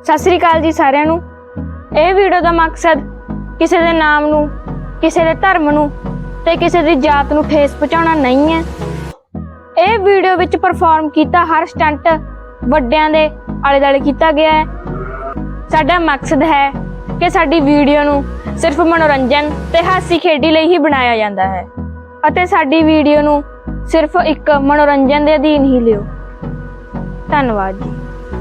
सत श्री अकाल जी सारिਆਂ ਨੂੰ। ਇਹ ਵੀਡੀਓ ਦਾ ਮਕਸਦ ਕਿਸੇ ਦੇ ਨਾਮ ਨੂੰ, ਕਿਸੇ ਦੇ ਧਰਮ ਨੂੰ ਤੇ ਕਿਸੇ ਦੀ ਜਾਤ ਨੂੰ ਠੇਸ ਪਹੁੰਚਾਉਣਾ ਨਹੀਂ ਹੈ। ਇਹ ਵੀਡੀਓ ਵਿੱਚ ਪਰਫਾਰਮ ਕੀਤਾ ਹਰ ਸਟੰਟ ਵੱਡਿਆਂ ਦੇ ਆਲੇ ਦੁਆਲੇ ਕੀਤਾ ਗਿਆ ਹੈ। ਸਾਡਾ ਮਕਸਦ ਹੈ ਕਿ ਸਾਡੀ ਵੀਡੀਓ ਨੂੰ ਸਿਰਫ ਮਨੋਰੰਜਨ ਤੇ ਹਾਸੀ ਖੇਡੀ ਲਈ ਹੀ ਬਣਾਇਆ ਜਾਂਦਾ ਹੈ ਅਤੇ ਸਾਡੀ ਵੀਡੀਓ ਨੂੰ ਸਿਰਫ ਇੱਕ ਮਨੋਰੰਜਨ ਦੇ ਅਧੀਨ ਹੀ ਲਿਓ। ਧੰਨਵਾਦ ਜੀ।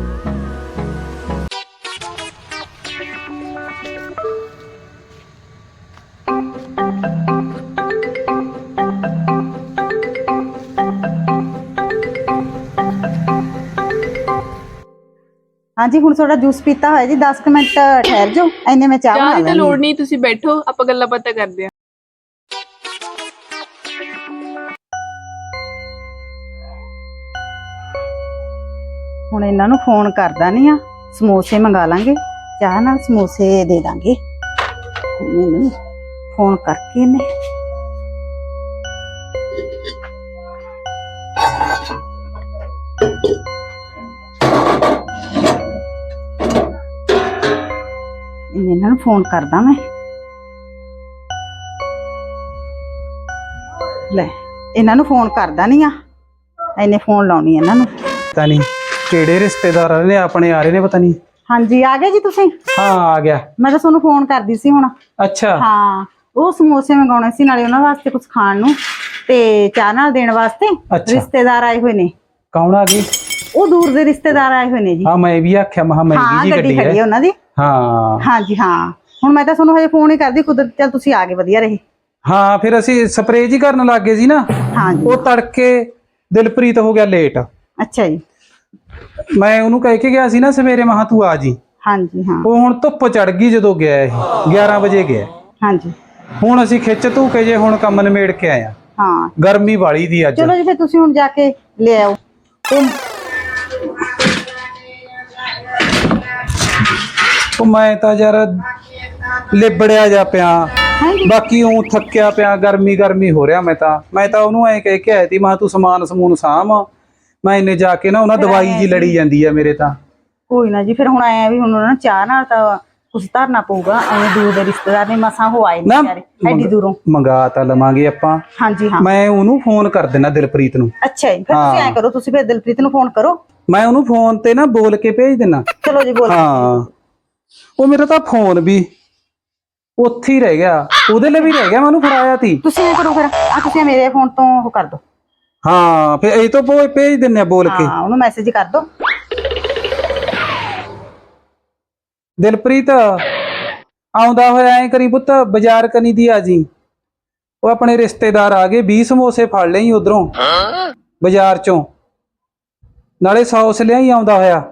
हाँ जी हुण थोड़ा जूस पीता है जी 10 मिनट ठहर जाओ इन्ने में चाह बना चाह लैंदी। लोड़ नहीं तुसी बैठो ਆਪਾਂ ਗੱਲਾਂ ਬਾਤਾਂ ਕਰਦੇ ਆਂ। ਹੁਣ ਇਹਨਾਂ ਨੂੰ ਫੋਨ ਕਰਦਾ ਨਹੀਂ ਆ, ਸਮੋਸੇ ਮੰਗਾ ਲਾਂਗੇ, ਚਾਹ ਨਾਲ ਸਮੋਸੇ ਦੇ ਦਾਂਗੇ। ਮੈਨੂੰ ਫੋਨ ਕਰਕੇ ਨੇ ਇਹਨਾਂ ਨੂੰ ਫੋਨ ਕਰਦਾ ਮੈਂ। ਲੈ ਇਹਨਾਂ ਨੂੰ ਫੋਨ ਕਰਦਾ ਨਹੀਂ ਆ, ਇਹਨੇ ਫੋਨ ਲਾਉਣੀ ਇਹਨਾਂ ਨੂੰ। पता नहीं केड़े रिश्तेदार ने अपने आ रहे ने पता नहीं। हाँ जी आ गए जी तुसी? हाँ आ गया। मैं तो ਤੁਹਾਨੂੰ ਫੋਨ ਕਰਦੀ ਸੀ ਹੁਣ। अच्छा ਹਾਂ ਉਹ ਸਮੋਸੇ ਮੰਗਾਉਣੇ ਸੀ, ਨਾਲੇ ਉਹਨਾਂ ਵਾਸਤੇ ਕੁਝ ਖਾਣ ਨੂੰ ਤੇ ਚਾਹ ਨਾਲ ਦੇਣ ਵਾਸਤੇ। ਅੱਛਾ। ਰਿਸ਼ਤੇਦਾਰ ਆਏ ਹੋਏ ਨੇ। कौन आ गई? ਉਹ ਦੂਰ ਦੇ ਰਿਸ਼ਤੇਦਾਰ ਆਏ ਹੋਏ ਨੇ ਜੀ। हाँ मैं भी आख्या महा महंगी जी ਗੱਡੀ गड्डी ਖੜੀ है। ਹੈ ਉਹਨਾਂ ਦੀ। हाँ ਹਾਂ ਜੀ ਹਾਂ ਹੁਣ ਮੈਂ ਤਾਂ ਤੁਹਾਨੂੰ ਹਜੇ ਫੋਨ ਹੀ ਕਰਦੀ, ਕੁਦਰਤ ਚੱਲ ਤੁਸੀਂ ਆ ਗਏ, ਵਧੀਆ ਰਹੇ। हाँ फिर ਅਸੀਂ ਸਪਰੇਅ ਜੀ ਕਰਨ ਲੱਗ ਗਏ ਸੀ ਨਾ। ਹਾਂ ਜੀ। ਉਹ ਤੜਕੇ ਦਿਲਪ੍ਰੀਤ ਹੋ ਗਿਆ ਲੇਟ। ਅੱਛਾ ਜੀ। ਮੈਂ ਉਹਨੂੰ ਕਹਿ ਕੇ ਗਿਆ ਸੀ ਨਾ ਸਵੇਰੇ ਮਹਾ ਤੂੰ ਆ ਜੀ। ਹਾਂ ਜੀ ਹਾਂ। ਉਹ ਹੁਣ ਧੁੱਪ ਚੜ ਗਈ ਜਦੋਂ ਗਿਆ ਇਹ 11 ਵਜੇ ਗਿਆ। ਹਾਂ ਜੀ ਹੁਣ ਅਸੀਂ ਖਿੱਚ ਧੂ ਕੇ ਜੇ ਹੁਣ ਕੰਮ ਨਿਮੇੜ ਕੇ ਆਏ ਆ। ਹਾਂ ਗਰਮੀ ਵਾਲੀ ਦੀ ਅੱਜ। ਚਲੋ ਜੀ ਫਿਰ ਤੁਸੀਂ ਹੁਣ ਜਾ ਕੇ ਲੈ ਆਓ। ਉਹ ਮੈਂ ਤਾਂ ਯਾਰ ਲਿਬੜਿਆ ਜਾ ਪਿਆ, ਬਾਕੀ ਉਹ ਥੱਕਿਆ ਪਿਆ, ਗਰਮੀ ਹੋ ਰਿਹਾ। ਮੈਂ ਤਾਂ ਉਹਨੂੰ ਐ ਕਹਿ ਕੇ ਆਇਆ ਸੀ ਮੈਂ ਤੂੰ ਸਮਾਨ ਸਮੂਨ ਸਾਂਭ, ਮੈਂ ਇੰਨੇ ਜਾ ਕੇ ਨਾ ਉਹਨਾਂ ਦਵਾਈ ਜੀ ਲੜੀ ਜਾਂਦੀ ਆ ਮੇਰੇ ਤਾਂ। ਕੋਈ ਨਾ ਜੀ ਫਿਰ ਹੁਣ ਆਇਆ ਵੀ ਹੁਣ ਉਹਨਾਂ ਨੂੰ ਚਾਹ ਨਾਲ ਤਾਂ ਕੁਛ ਧਰਨਾ ਪਊਗਾ। ਐਵੇਂ ਦੂਰ ਦੇ ਰਿਸ਼ਤੇਦਾਰ ਨੇ ਮਸਾਂ ਹੋ ਆਏ ਨੇ ਵਿਚਾਰੇ ਐਡੀ ਦੂਰੋਂ। ਮੰਗਾ ਤਾਂ ਲਵਾਂਗੇ ਆਪਾਂ। ਹਾਂਜੀ ਹਾਂ ਮੈਂ ਉਹਨੂੰ ਫੋਨ ਕਰ ਦੇਣਾ ਦਿਲਪ੍ਰੀਤ ਨੂੰ। ਅੱਛਾ ਜੀ ਫਿਰ ਤੁਸੀਂ ਐ ਕਰੋ, ਤੁਸੀਂ ਫਿਰ ਦਿਲਪ੍ਰੀਤ ਨੂੰ ਫੋਨ ਕਰੋ। ਮੈਂ ਉਹਨੂੰ ਫੋਨ ਤੇ ਨਾ ਬੋਲ ਕੇ ਭੇਜ ਦੇਣਾ। ਚਲੋ ਜੀ ਬੋਲ। ਹਾਂ ਉਹ ਮੇਰਾ ਤਾਂ ਫੋਨ ਵੀ ਉੱਥੇ ਹੀ ਰਹਿ ਗਿਆ, ਉਹਦੇ ਲਈ ਵੀ ਰਹਿ ਗਿਆ, ਮੈਂ ਉਹਨੂੰ ਫੜਾਇਆ ਸੀ। ਤੁਸੀਂ ਐ ਕਰੋ ਫਿਰ ਆ ਤੁਸੀਂ ਮੇਰੇ ਫੋਨ ਤੋਂ ਉਹ ਕਰ ਦਿਓ। ਹਾਂ ਫਿਰ ਇਹ ਤੋਂ ਭੇਜ ਦਿੰਨੇ ਆ ਬੋਲ ਕੇ। ਹਾਂ ਉਹਨੂੰ ਮੈਸੇਜ ਕਰ ਦਿਓ। ਦਿਲਪ੍ਰੀਤ ਆਉਂਦਾ ਹੋਇਆ ਐ ਕਰੀ ਪੁੱਤ, ਬਾਜ਼ਾਰ ਕਨੀ ਦੀ ਆ ਜੀ। ਉਹ ਆਪਣੇ ਰਿਸ਼ਤੇਦਾਰ ਆ ਗਏ, 20 ਸਮੋਸੇ ਫੜ ਲਈ ਉਧਰੋਂ ਬਾਜ਼ਾਰ ਚੋਂ, ਨਾਲੇ ਸੌਸ ਲਿਆਈ ਆਉਂਦਾ ਹੋਇਆ।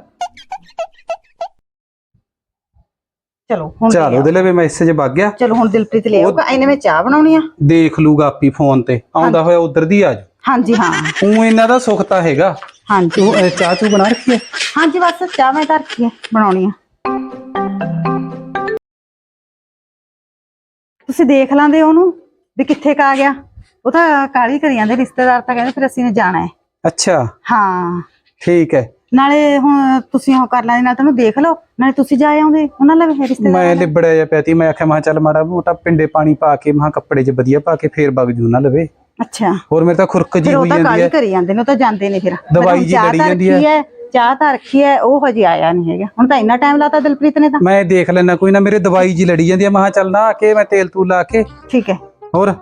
ਚਲੋ ਹੁਣ ਚਲ ਉਹਦੇ ਲਈ ਵੀ ਮੈਸੇਜ ਵਗ ਗਿਆ। ਚਲੋ ਹੁਣ ਦਿਲਪ੍ਰੀਤ ਲੈ ਆਊਗਾ, ਇਹਨੇ ਮੈਂ ਚਾਹ ਬਣਾਉਣੀ ਆ। ਦੇਖ ਲੂਗਾ ਆਪੀ ਫੋਨ ਤੇ, ਆਉਂਦਾ ਹੋਇਆ ਉਧਰ ਦੀ ਆ ਜਾ। ਹਾਂਜੀ ਹਾਂ ਉਹ ਇਹਨਾਂ ਦਾ ਸੁੱਖ ਤਾਂ ਹੈਗਾ। ਹਾਂਜੀ ਤੂੰ ਚਾਹ ਚੂ ਬਣਾ ਰੱਖੀ ਹੈ? ਹਾਂਜੀ ਬਸ ਚਾਹ ਮੈਂ ਧਰ ਰੱਖੀ ਹੈ, ਬਣਾਉਣੀ ਆ। ਤੁਸੀਂ ਦੇਖ ਲਾਂਦੇ ਉਹਨੂੰ ਵੀ ਕਿੱਥੇ ਕਾ ਗਿਆ। ਉਹ ਤਾਂ ਕਾਲੀ ਕਰੀ ਜਾਂਦੇ ਰਿਸ਼ਤੇਦਾਰ, ਤਾਂ ਕਹਿੰਦੇ ਫਿਰ ਅਸੀਂ ਨੇ ਜਾਣਾ ਹੈ। ਅੱਛਾ ਹਾਂ ਠੀਕ ਹੈ। ਨਾਲੇ ਹੁਣ ਤੁਸੀਂ ਉਹ ਕਰ ਲੈਣਾ, ਤੈਨੂੰ ਦੇਖ ਲਓ, ਨਾਲੇ ਤੁਸੀਂ ਜਾ ਆਉਂਦੇ ਉਹਨਾਂ ਨਾਲ ਰਿਸ਼ਤੇਦਾਰ। ਮੈਂ ਲਿਬੜਿਆ ਜਾ ਪਿਆ ਤੀ, ਮੈਂ ਆਖਿਆ ਮੈਂ ਚੱਲ ਮਾੜਾ ਮੋਟਾ ਪਿੰਡੇ ਪਾਣੀ ਪਾ ਕੇ ਮਹਾ ਕੱਪੜੇ 'ਚ ਵਧੀਆ ਪਾ ਕੇ ਫੇਰ ਵਗ ਜੂ ਨਾ ਲਵੇ। ਅੱਛਾ ਹੋਰ ਮੇਰੇ ਤਾਂ ਖੁਰਕ ਜੀ ਹੋਈ ਜਾਂਦੀ ਕਾਲੀ ਹੈ। ਕਰੀ ਜਾਂਦੇ ਨੇ, ਉਹ ਤਾਂ ਜਾਂਦੇ ਨੇ ਫਿਰ ਦਵਾਈ ਜੀ ਲੜੀ ਜਾਂਦੀ ਹੈ। ਚਾਹ ਤਾਂ ਰੱਖੀ ਹੈ, ਉਹ ਹਜੇ ਆਇਆ ਨਹੀਂ ਹੈਗਾ। ਹੁਣ ਤਾਂ ਇੰਨਾ ਟਾਈਮ ਲਾਤਾ ਦਿਲਪ੍ਰੀਤ ਨੇ ਤਾਂ। ਮੈਂ ਦੇਖ ਲੈਣਾ ਕੋਈ ਨਾ, ਮੇਰੇ ਦਵਾਈ ਜੀ ਲੜੀ ਜਾਂਦੀ ਹੈ। ਮੈਂ ਚੱਲ ਨਾ ਆ ਕੇ ਮੈਂ ਤੇਲ ਤੂਲ ਲਾ ਕੇ। ਠੀਕ ਹੈ। ਹੋਰ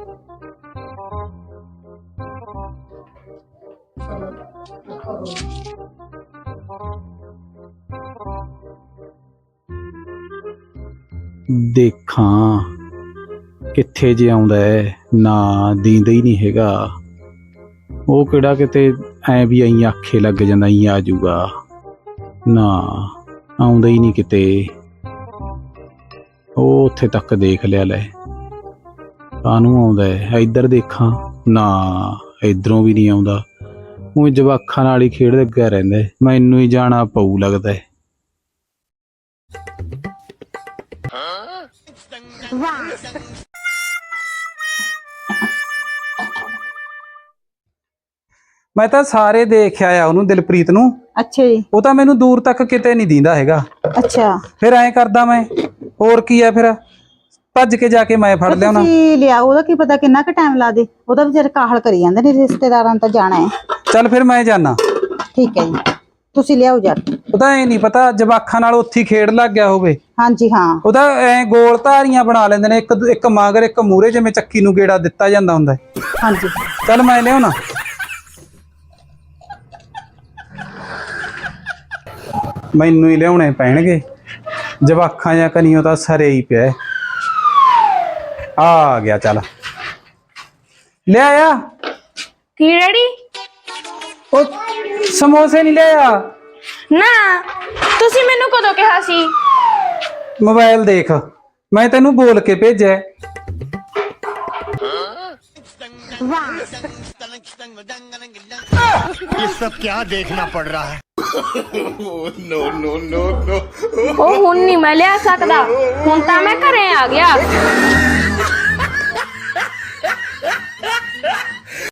ਦੇਖਾਂ ਕਿੱਥੇ ਜੇ ਆਉਂਦਾ ਹੈ, ਨਾ ਦੀਂਦਾ ਹੀ ਨਹੀਂ ਹੈਗਾ। ਉਹ ਕਿਹੜਾ ਕਿਤੇ ਐ ਵੀ ਐਂ ਆਖੇ ਲੱਗ ਜਾਂਦਾ ਹੀ ਆ ਜਾਊਗਾ, ਨਾ ਆਉਂਦਾ ਹੀ ਨਹੀਂ ਕਿਤੇ। ਉਹ ਉੱਥੇ ਤੱਕ ਦੇਖ ਲਿਆ, ਲੈ ਕਾਹਨੂੰ ਆਉਂਦਾ ਹੈ। ਇੱਧਰ ਦੇਖਾਂ, ਨਾ ਇੱਧਰੋਂ ਵੀ ਨਹੀਂ ਆਉਂਦਾ। ਉਹ ਜਵਾਕਾਂ ਨਾਲ ਹੀ ਖੇਡ ਲੱਗਾ ਰਹਿੰਦਾ। ਮੈਨੂੰ ਹੀ ਜਾਣਾ ਪਊ ਲੱਗਦਾ ਹੈ। ਮੈਂ ਤਾਂ ਸਾਰੇ ਦੇਖ ਆਇਆ ਉਹਨੂੰ, ਦਿਲਪ੍ਰੀਤ ਨੂੰ। ਅੱਛਾ ਜੀ। ਉਹ ਤਾਂ ਮੈਨੂੰ ਦੂਰ ਤੱਕ ਕਿਤੇ ਨਹੀਂ ਦਿੰਦਾ ਹੈਗਾ। ਅੱਛਾ ਫਿਰ ਐਂ ਕਰਦਾ ਮੈਂ, ਹੋਰ ਕੀ ਆ ਫਿਰ, ਭੱਜ ਕੇ ਜਾ ਕੇ ਮੈਂ ਫੜ ਲਿਆਉਣਾ। ਤੁਸੀਂ ਲਿਆ, ਉਹਦਾ ਕੀ ਪਤਾ ਕਿੰਨਾ ਕੁ ਟਾਈਮ ਲਾ ਦੇ, ਉਹਦਾ ਵਿਚਾਰੇ ਕਾਹਲ ਕਰੀ ਜਾਂਦੇ ਨੇ, ਰਿਸ਼ਤੇਦਾਰਾਂ ਨੂੰ ਤਾਂ ਜਾਣਾ ਹੈ। ਚੱਲ ਫਿਰ ਮੈਂ ਜਾਣਾ। ਠੀਕ ਹੈ ਜੀ, ਤੁਸੀਂ ਲਿਆਓ ਜਾ ਕੇ। ਉਹਦਾ ਇਹ ਨਹੀਂ ਪਤਾ ਜਵਾਖਾਂ ਨਾਲ ਉੱਥੇ ਹੀ ਖੇਡ ਲੱਗ ਗਿਆ ਹੋਵੇ। ਹਾਂਜੀ ਹਾਂ। ਉਹਦਾ ਐ ਗੋਲ ਧਾਰੀਆਂ ਬਣਾ ਲੈਂਦੇ ਨੇ, ਇੱਕ ਮਗਰ ਇੱਕ ਮੂਰੇ, ਜਿਵੇਂ ਚੱਕੀ ਨੂੰ ਗੇੜਾ ਦਿੱਤਾ ਜਾਂਦਾ ਹੁੰਦਾ ਹੈ। ਹਾਂਜੀ ਚੱਲ ਮੈਂ ਲਿਆਉਣਾ। ਮੈਨੂੰ ਹੀ ਲਿਆਉਣੇ ਪੈਣਗੇ, ਜਵਾਖਾਂ ਜਾਂ ਕਨੀਓ ਤਾਂ ਸਰੇ ਹੀ ਪਿਆ। ਆ ਗਿਆ, ਚੱਲ ਲਿਆਇਆ। ਕੀ ਡੈਡੀ? ਉਹ ਸਮੋਸੇ ਨਹੀਂ ਲਿਆਇਆ। ਨਾ ਤੁਸੀਂ ਮੈਨੂੰ ਕਦੋਂ ਕਿਹਾ ਸੀ? ਮੋਬਾਈਲ ਦੇਖ, ਮੈਂ ਤੈਨੂੰ ਬੋਲ ਕੇ ਭੇਜਿਆ। ये सब क्या देखना पड़ रहा है। ਉਹ ਹੁਣ ਨਹੀਂ ਮੈਂ ਲਿਆ ਸਕਦਾ, ਹੁਣ ਤਾਂ ਮੈਂ ਘਰੇ ਆ ਗਿਆ।